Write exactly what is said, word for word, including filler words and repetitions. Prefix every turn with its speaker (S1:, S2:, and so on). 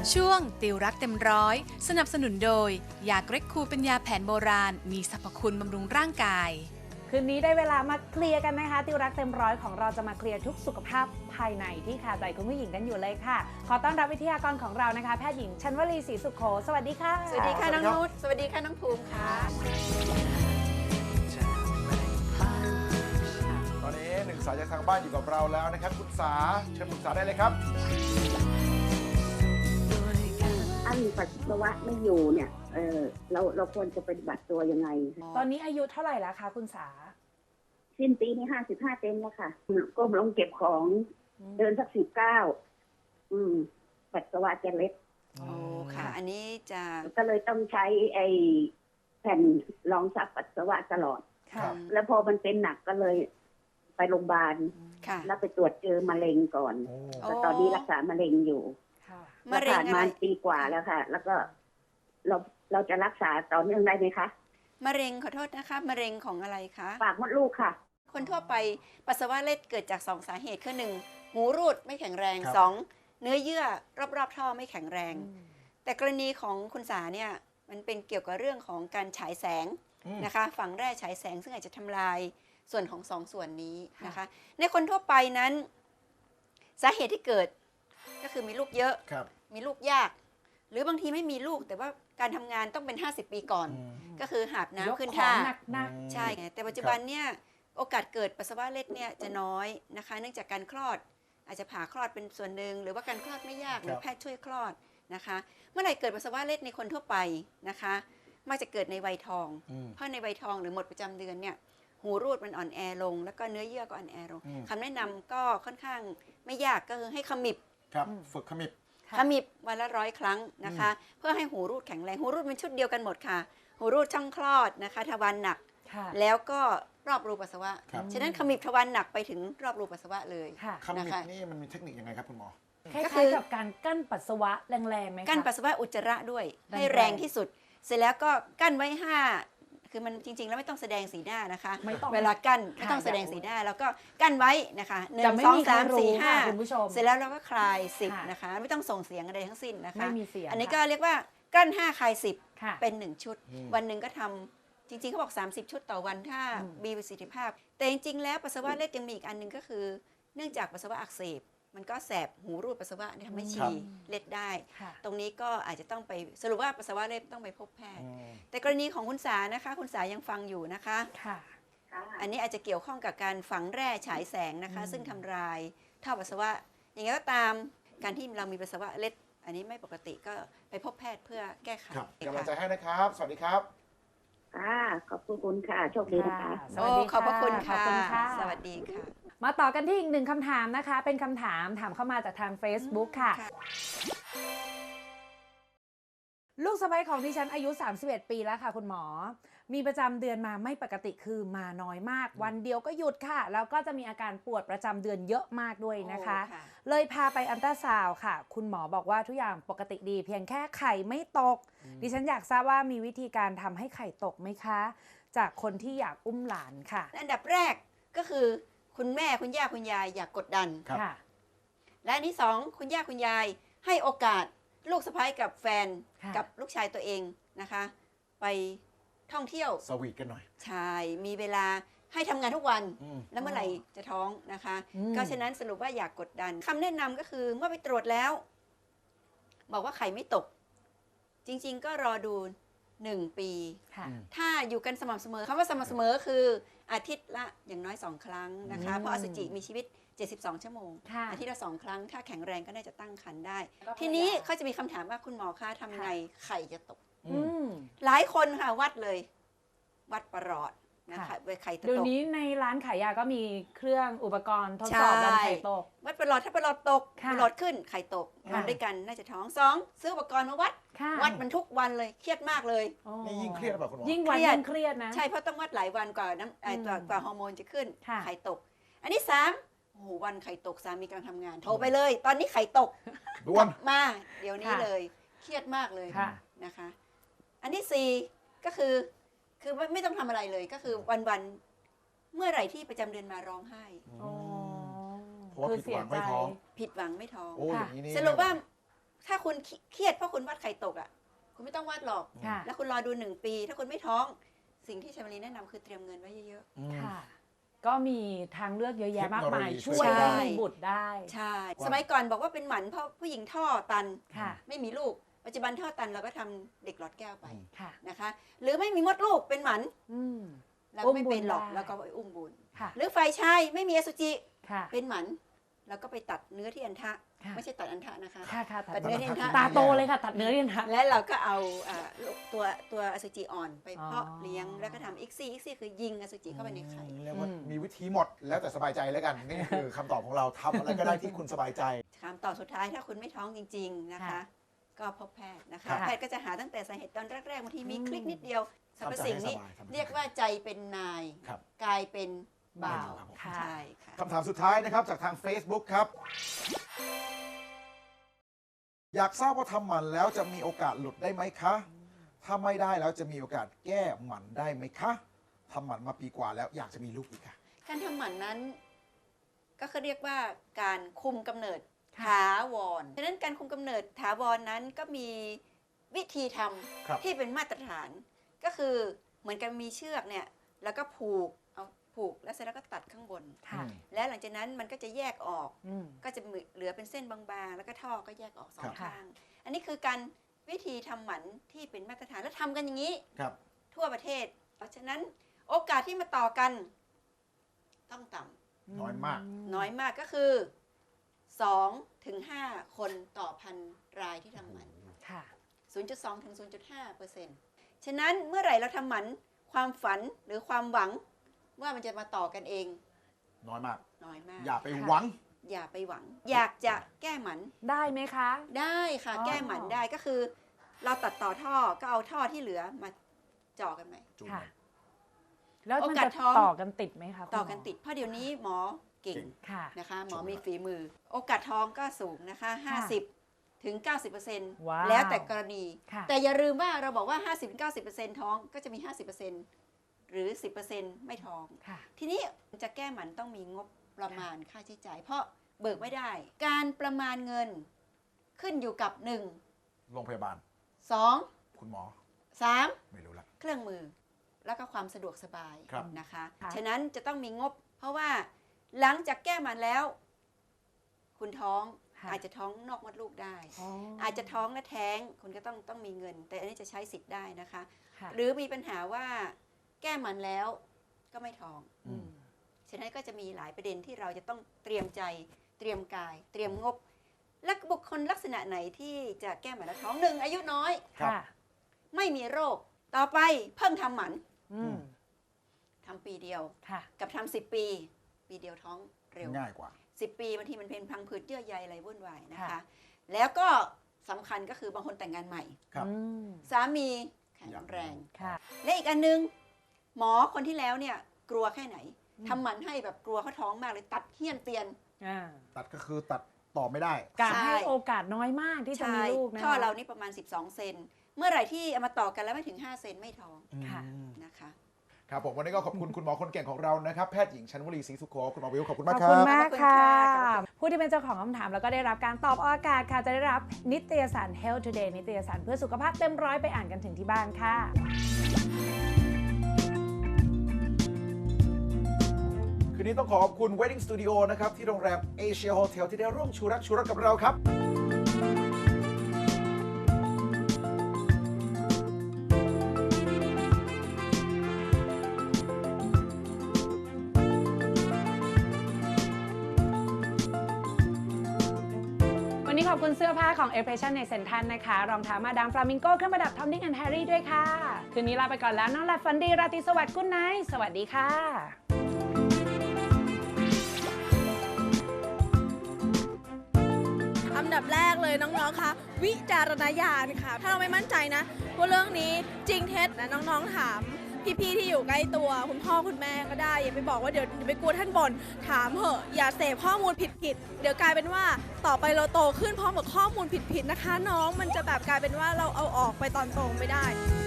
S1: ช่วงติวรักเต็มร้อยสนับสนุนโดยยาเกร็กคูเป็นยาแผนโบราณมีสรรพคุณบำรุงร่างกาย
S2: คืนนี้ได้เวลามาเคลียร์กันนะคะติวรักเต็มร้อยของเราจะมาเคลียร์ทุกสุขภาพภายในที่คาใจคุณผู้หญิงกันอยู่เลยค่ะขอต้อนรับวิทยากรของเรานะคะแพทย์หญิงชันวลีศรีสุขโขสวัสดีค่ะ
S3: สวัสดีค่ะน้องนุชสวัสดีค่ะน้องภูมิค่ะ
S4: ตอนนี้หนึ่งสายจากทางบ้านอยู่กับเราแล้วนะครับคุณสาเชิญปรึกษาได้เลยครับ
S5: ถ้ามีปัสสาวะไม่อยู่เนี่ยเออเราเราควรจะปฏิบัติตัวยังไง
S2: ตอนนี้อายุเท่าไหร่แล้วคะคุณสา
S5: สิ้นปีนี้ห้าสิบห้าเต็มแล้วค่ะก้มลงเก็บของเดินสักสิบเก้าอืมปัสสาวะจะเล็ด
S3: โอ้ค่ะ อันนี้จะ
S5: ก็เลยต้องใช้ไอ้แผ่นรองซับปัสสาวะตลอด
S2: ค่ะ
S5: แล้วพอมันเป็นหนักก็เลยไปโรงพยาบาลแล้วไปตรวจเจอมะเร็งก่อนแล้วตอนนี้รักษามะเร็งอยู่
S3: มะเร็ง
S5: ผ่านมาปีกว่าแล้วค่ะแล้วก็เราเราจะรักษาต่อเนื่องได้ไหมคะ
S3: มะเร็งขอโทษนะคะมะเร็งของอะไรคะ
S5: ปากมดลูกค่ะ
S3: คนทั่วไปปัสสาวะเล็ดเกิดจากสองสาเหตุคือหนึ่งหูรูดไม่แข็งแรงสองเนื้อเยื่อรอบๆท่อไม่แข็งแรงแต่กรณีของคุณสาเนี่ยมันเป็นเกี่ยวกับเรื่องของการฉายแสงนะคะฝังแร่ฉายแสงซึ่งอาจจะทำลายส่วนของสองส่วนนี้นะคะในคนทั่วไปนั้นสาเหตุที่เกิดก็คือมีลูกเยอะมีลูกยากหรือบางทีไม่มีลูกแต่ว่าการทำงานต้องเป็นห้าสิบปีก่อนก็คือหาบน้ำขึ้นท่าใช่ไงแต่ปัจจุบันเนี่ยโอกาสเกิดปัสสาวะเล็ดเนี่ยจะน้อยนะคะเนื่องจากการคลอดอาจจะผ่าคลอดเป็นส่วนหนึ่งหรือว่าการคลอดไม่ยากหรือแพทย์ช่วยคลอดนะคะเมื่อไหร่เกิดปัสสาวะเล็ดในคนทั่วไปนะคะมักจะเกิดในวัยทองเพราะในวัยทองหรือหมดประจำเดือนเนี่ยหูรูดมันอ่อนแอลงแล้วก็เนื้อเยื่อก็อ่อนแอลงคำแนะนำก็ค่อนข้างไม่ยากก็คือให้ขมิบ
S4: ครับฝึกขมิบ
S3: ขมิบวันละร้อยครั้งนะคะเพื่อให้หูรูดแข็งแรงหูรูดเป็นชุดเดียวกันหมดค่ะหูรูดช่องคลอดนะคะทวารหนักแล้วก็รอบรูปัสสาวะฉะนั้นขมิบทวารหนักไปถึงรอบรูปัสสาวะเลย
S4: ขมิบนี่มันมีเทคนิคยังไงครับคุณหมอ
S2: ก็คือกับการกั้นปัสสาวะแรงๆไหมคะ
S3: กั้นปัสสาวะอุจจาระด้วยให้แรงที่สุดเสร็จแล้วก็กั้นไว้ห้าคือมันจริงๆแล้วไม่ต้องแสดงสีหน้านะคะเวลากั้นไม่ต้องแสดงสีหน้าแล้วก็กั้นไว้นะคะหนึ่งสองสามสี่ห้าเสร็จแล้วเราก็คลายสิบนะคะไม่ต้องส่งเสียงอะไรทั้งสิ้นนะคะอันนี้ก็เรียกว่ากั้นห้าคลายสิบเป็นหนึ่งชุดวันหนึ่งก็ทำจริงๆเขาบอกสามสิบชุดต่อวันถ้ามีประสิทธิภาพแต่จริงๆแล้วปัสสาวะเล็ดยังมีอีกอันหนึ่งก็คือเนื่องจากปัสสาวะอักเสบมันก็แสบหูรูดปัสสาวะทำให้ฉี่เล็ดได้ตรงนี้ก็อาจจะต้องไปสรุปว่าปัสสาวะเล็ดต้องไปพบแพทย์แต่กรณีของคุณสานะคะคุณสายังฟังอยู่นะคะอันนี้อาจจะเกี่ยวข้องกับการฝังแร่ฉายแสงนะคะซึ่งทำลายท่อปัสสาวะอย่างไรก็ตามการที่เรามีปัสสาวะเล็ดอันนี้ไม่ปกติก็ไปพบแพทย์เพื่อแก้ไข
S4: กำลังใจให้นะครับสวัสดีครับ
S5: ค่ะขอบคุณค่ะโชคดีนะคะ
S3: โอ้ขอบพระคุณค่ะสวัสดีค่ะ
S2: มาต่อกันที่อีกหนึ่งคำถามนะคะเป็นคำถามถามเข้ามาจากทาง Facebook ค่ะลูกสะใภ้ของดิฉันอายุสามสิบเอ็ดปีแล้วค่ะคุณหมอมีประจำเดือนมาไม่ปกติคือมาน้อยมากวันเดียวก็หยุดค่ะแล้วก็จะมีอาการปวดประจำเดือนเยอะมากด้วยนะคะเลยพาไปอัลตราซาวด์ค่ะคุณหมอบอกว่าทุกอย่างปกติดีเพียงแค่ไข่ไม่ตกดิฉันอยากทราบว่ามีวิธีการทำให้ไข่ตกไหมคะจากคนที่อยากอุ้มหลานค่ะ
S3: อันดับแรกก็คือคุณแม่คุณย่าคุณยายอย่ากกดดันและอันที่สองคุณย่าคุณยายให้โอกาสลูกสะใภ้กับแฟนกับลูกชายตัวเองนะคะไปท่องเที่ยว
S4: สวีทกันหน่อย
S3: ใช่มีเวลาให้ทำงานทุกวันแล้วเมื่อไหร่จะท้องนะคะก็ฉะนั้นสรุปว่าอยากกดดันคำแนะนำก็คือเมื่อไปตรวจแล้วบอกว่าไข่ไม่ตกจริงๆก็รอดูหนึ่งปีถ้าอยู่กันสม่ำเสมอคำว่าสม่ำเสมอคืออาทิตย์ละอย่างน้อยสองครั้งนะคะเพราะอสุจิมีชีวิตเจ็ดสิบสองชั่วโมงอาทิตย์ละสองครั้งถ้าแข็งแรงก็น่าจะตั้งครรภ์ได้ทีนี้เขาจะมีคำถามว่าคุณหมอคะทำไงไข่จะตกหลายคนค่ะวัดเลยวัดประหลอดนะคะไข่ตก
S2: เดี๋ยวนี้ในร้านขายยาก็มีเครื่องอุปกรณ์ทดสอบวันไข่ตก
S3: วัดประหลอดถ้าประหลอดตกประหลอดขึ้นไข่ตกนอนด้วยกันน่าจะท้องสองซื้ออุปกรณ์มาวัดวัดมันทุกวันเลยเครียดมากเลย
S4: นี่ยิ่งเครียดหรือเปล่าคุณหมอ
S2: ยิ่งวันยิ่งเครียดนะ
S3: ใช่เพราะต้องวัดหลายวันกว่าน้ำกว่าฮอร์โมนจะขึ้นไข่ตกอันนี้สามโอ้โหวันไข่ตกสามีกำลังทำงานโทรไปเลยตอนนี้ไข่ตก
S4: ด่วน
S3: มาเดี๋ยวนี้เลยเครียดมากเลยนะคะอันที่สี่ก็คือคือไม่ต้องทำอะไรเลยก็คือวันๆเมื่อไหร่ที่ประจำเดือนมาร้องไห้
S4: เพราะว่าผิดหวังไม่ท้อง
S3: ผิดหวังไม่ท้อง
S4: ส
S3: รุปว่าถ้าคุณเครียดเพราะคุณวาดไข่ตกอ่ะคุณไม่ต้องวาดหรอก
S2: ค่ะ
S3: แล้วคุณรอดูหนึ่งปี ถ้าคุณไม่ท้องสิ่งที่ชมรีแนะนำคือเตรียมเงินไว้เยอะ
S4: อืม
S2: ค่ะ ก็มีทางเลือกเยอะแยะมากมาย
S4: เทคโนโลยี
S2: ช่วย
S3: ช่วย
S2: ให้มีบุตรได้
S3: ๆ ใช่
S4: ว่า
S3: สมัยก่อนบอกว่าเป็นหมันเพราะผู้หญิงท่อตัน
S2: ค่ะ
S3: ไม่มีลูก ปัจจุบันท่อตันเราก็ทำเด็กหลอดแก้วไป
S2: ค่ะ
S3: นะคะ หรือไม่มีมดลูกเป็นหมัน
S2: อืม
S3: เราก็ไม่
S2: อุ้มบุญ
S3: เป็นหรอก
S2: ได้
S3: แล้วก็ไปอุ้มบุญ
S2: ค่ะ
S3: หรือฝ่ายชายไม่มีอสุจิ
S2: ค่ะ
S3: เป็นหมันแล้วก็ไปตัดเนื้อที่อันทะ
S2: ค่ะ
S3: ไม่ใช่ตัดอันทะนะคะ
S2: ค่ะค่ะ
S3: ตัดเนื้อที่อันทะ
S2: ตาโตเลยค่ะ ตัดเนื้อเรียนค่ะ
S3: และเราก็เอาอ่าตัวตัวอสุจิอ่อนไปเพาะ
S2: อ๋อ
S3: เลี้ยงแล้วก็ทำอีกซี่อีกซี่คือยิงอสุจิเข้าไปในไข่
S4: เรียกว่า
S2: อืม
S4: มีวิธีหมดแล้วแต่สบายใจแล้วกัน นี่คือคำตอบของเราทำอะไรก็ได้ที่คุณสบายใจ
S3: คำตอบสุดท้ายถ้าคุณไม่ท้องจริง ๆนะคะ
S2: ค่ะ
S3: ก็พบแพทย์นะคะ
S4: ค่ะ
S3: แพทย์ก็จะหาตั้งแต่สาเหตุตอนแรกๆบางทีมี
S2: อืม
S3: คลิกนิดเดียวสรรพสิ่งนี้
S4: ทำใจให้สบายทำใจ
S3: เรียกว่าใจเป็นนาย
S4: ครับ
S3: กายเป็นบ่าว
S4: ครับผม
S2: ค่ะ
S3: ใช่ค่ะ
S4: คำถามสุดท้ายนะครับจากทาง Facebook ครับ อยากทราบว่าทำหมันแล้วจะมีโอกาสหลุดได้ไหมคะ ถ้าไม่ได้แล้วจะมีโอกาสแก้หมันได้ไหมคะทำหมันมาปีกว่าแล้วอยากจะมีลูกอีกค่ะ
S3: การทำหมันนั้นก็เขาเรียกว่าการคุมกำเนิด
S2: ค่ะ
S3: ถาวรฉะนั้นการคุมกำเนิดถาวรนั้นก็มีวิธีท
S4: ครับ
S3: ำที่เป็นมาตรฐาน ก็คือเหมือนกับมีเชือกเนี่ยแล้วก็ผูกเอาผูกแล้วเสร็จแล้วก็ตัดข้างบน
S2: ค่ะ
S4: อืม
S3: แล้วหลังจากนั้นมันก็จะแยกออก
S2: อืม
S3: ก็จะเหลือเป็นเส้นบางๆ แล้วก็ท่อก็แยกออกสอ
S4: ครั
S3: ง
S4: บ
S3: ข้าง อันนี้คือการวิธีทำหมันที่เป็นมาตรฐานแล้วทำกันอย่างนี้
S4: ครับ
S3: ทั่วประเทศ เพราะฉะนั้นโอกาสที่มาต่อกันต้องต่ำ
S4: น้อยมาก
S3: น้อยมากก็คือสองถึงห้าคนต่อพันรายที่ทำหมัน
S2: ค่ะ
S3: ศูนย์จุดสองถึงศูนย์จุดห้าเปอร์เซ็นต์ ฉะนั้นเมื่อไหร่เราทำหมันความฝันหรือความหวังว่ามันจะมาต่อกันเอง
S4: น้อยมาก
S3: น้อยมาก
S4: อย่าไปหวัง
S3: อย่าไปหวัง อยากจะแก้หมัน
S2: ได้ไหมคะ
S3: ได้ค่ะ
S2: อ๋อ
S3: แก้หมันได้ก็คือ เราตัดต่อท่อก็เอาท่อที่เหลือมาจ่อกันไหม
S4: จูน
S2: ค่ะ
S4: กัน
S2: แล้วมัน
S3: โอกาส
S2: จะ
S3: ท้อง
S2: ต่อกันติดไหมคะคุณหม
S3: ต่อกันติดเพราะเดี๋ยวนี้หมอเก่ง
S4: เก่ง
S2: ค่ะ
S3: นะคะหมอ
S4: ชม
S3: มี
S4: ครับ
S3: ฝีมือ โอกาสท้องก็สูงนะคะ ห้าสิบ ถึง เก้าสิบเปอร์เซ็นต์
S2: ว้าว
S3: แล้วแต่กรณี
S2: ค่ะ
S3: แต่อย่าลืมว่าเราบอกว่า ห้าสิบถึงเก้าสิบเปอร์เซ็นต์ ท้องก็จะมี ห้าสิบเปอร์เซ็นต์ หรือ สิบเปอร์เซ็นต์ ไม่ท้อง
S2: ค่ะ
S3: ทีนี้จะแก้หมันต้องมีงบประมาณค่าใช้จ่าย เพราะเบิกไม่ได้ การประมาณเงินขึ้นอยู่กับ หนึ่ง
S4: โรงพยาบาล
S3: สอง
S4: คุณหมอ
S3: สาม
S4: ไม่รู้ละ
S3: เครื่องมือแล้วก็ความสะดวกสบาย
S4: ครับ
S3: นะคะ
S2: ค่ะ
S3: ฉะนั้นจะต้องมีงบ เพราะว่าหลังจากแก้หมันแล้ว คุณท้อง
S2: ค่ะ
S3: อาจจะท้องนอกมดลูกได้
S2: อ๋อ
S3: อาจจะท้องและแท้งคุณก็ต้องต้องมีเงิน แต่อันนี้จะใช้สิทธิ์ได้นะคะ
S2: ค่ะ
S3: หรือมีปัญหาว่าแก้หมันแล้วก็ไม่ท้อง
S2: อืม
S3: ฉะนั้นก็จะมีหลายประเด็นที่เราจะต้องเตรียมใจ เตรียมกาย เตรียมงบ และบุคคลลักษณะไหนที่จะแก้หมันแล้วท้องหนึ่งอายุน้อย
S4: ครับ
S2: ค่ะ
S3: ไม่มีโรค ต่อไปเพิ่งทำหมัน
S2: อืม
S3: ทำปีเดียว
S2: ค่ะ
S3: กับทำสิบปี ปีเดียวท้องเร็ว
S4: ง่ายกว่า
S3: สิบปีบางทีมันเป็นพังผืดเยื่อใยอะไรวุ่นวายนะคะ
S2: ค่ะ
S3: แล้วก็สำคัญก็คือบางคนแต่งงานใหม่
S4: ครับ
S2: อืม
S3: สามีแข็งแรง
S2: ค่ะ
S3: และอีกอันนึง หมอคนที่แล้วเนี่ยกลัวแค่ไหน
S2: อืม
S3: ทำหมันให้แบบกลัวเขาท้องมากเลยตัดเฮี้ยนเตียน
S2: อ่า
S4: ตัดก็คือตัดต่อไม่ได้
S2: การ
S3: ใช่
S2: ให้โอกาสน้อยมากที่จะมีลูกนะคะ
S3: ท่อเรานี่ประมาณ สิบสอง เซนเมื่อไหร่ที่เอามาต่อกันแล้วไม่ถึง ห้า เซนไม่ท้อง
S2: ค่ะ
S4: อืม
S3: นะคะ
S4: ครับผมวันนี้ก็ขอบคุณคุณหมอคนเก่งของเรานะครับ แพทย์หญิงชันวลีศรีสุโขคุณหมอวิวขอบคุณ
S2: ข
S4: มาก
S2: อบ
S4: ครั
S2: คุณ
S4: บ
S2: มาก
S3: ขอบคุณ
S2: ค่ะ
S3: ค่ะขอบคุณ
S2: ผู้ที่เป็นเจ้าของคำถามแล้วก็ได้รับการตอบออกอากาศค่ะ จะได้รับนิตยสาร Health Today นิตยสารเพื่อสุขภาพเต็มร้อยไปอ่านกันถึงที่บ้านค่ะ
S4: คืนนี้ต้องขอขอบคุณ Wedding Studio นะครับ ที่โรงแรม Asia Hotel ที่ได้ร่วมชูรักชูรักกับเราครับ
S2: วันนี้ขอบคุณเสื้อผ้าของ Expression ในเซ็นทรัลนะคะ รองเท้ามาดามฟลามิงโก้เครื่องประดับทอมดิ้งแอนด์แฮร์รี่ด้วยค่ะ คืนนี้ลาไปก่อนแล้วนอนหลับฝันดีราตรีสวัสดิ์กุ๊ดไนท์สวัสดีค่ะ
S6: อันดับแรกเลยน้องๆ คะวิจารณญาณค่ะ ถ้าเราไม่มั่นใจนะว่าเรื่องนี้จริงเท็จนะน้องๆ ถามพี่ๆ ที่อยู่ใกล้ตัวคุณพ่อคุณแม่ก็ได้ อย่าไปบอกว่าเดี๋ยวอย่าไปกลัวท่านบ่นถามเหอะอย่าเสพข้อมูลผิดๆ เดี๋ยวกลายเป็นว่าต่อไปเราโตขึ้นพร้อมกับข้อมูลผิดๆ นะคะ น้องมันจะแบบกลายเป็นว่าเราเอาออกไปตอนโตไม่ได้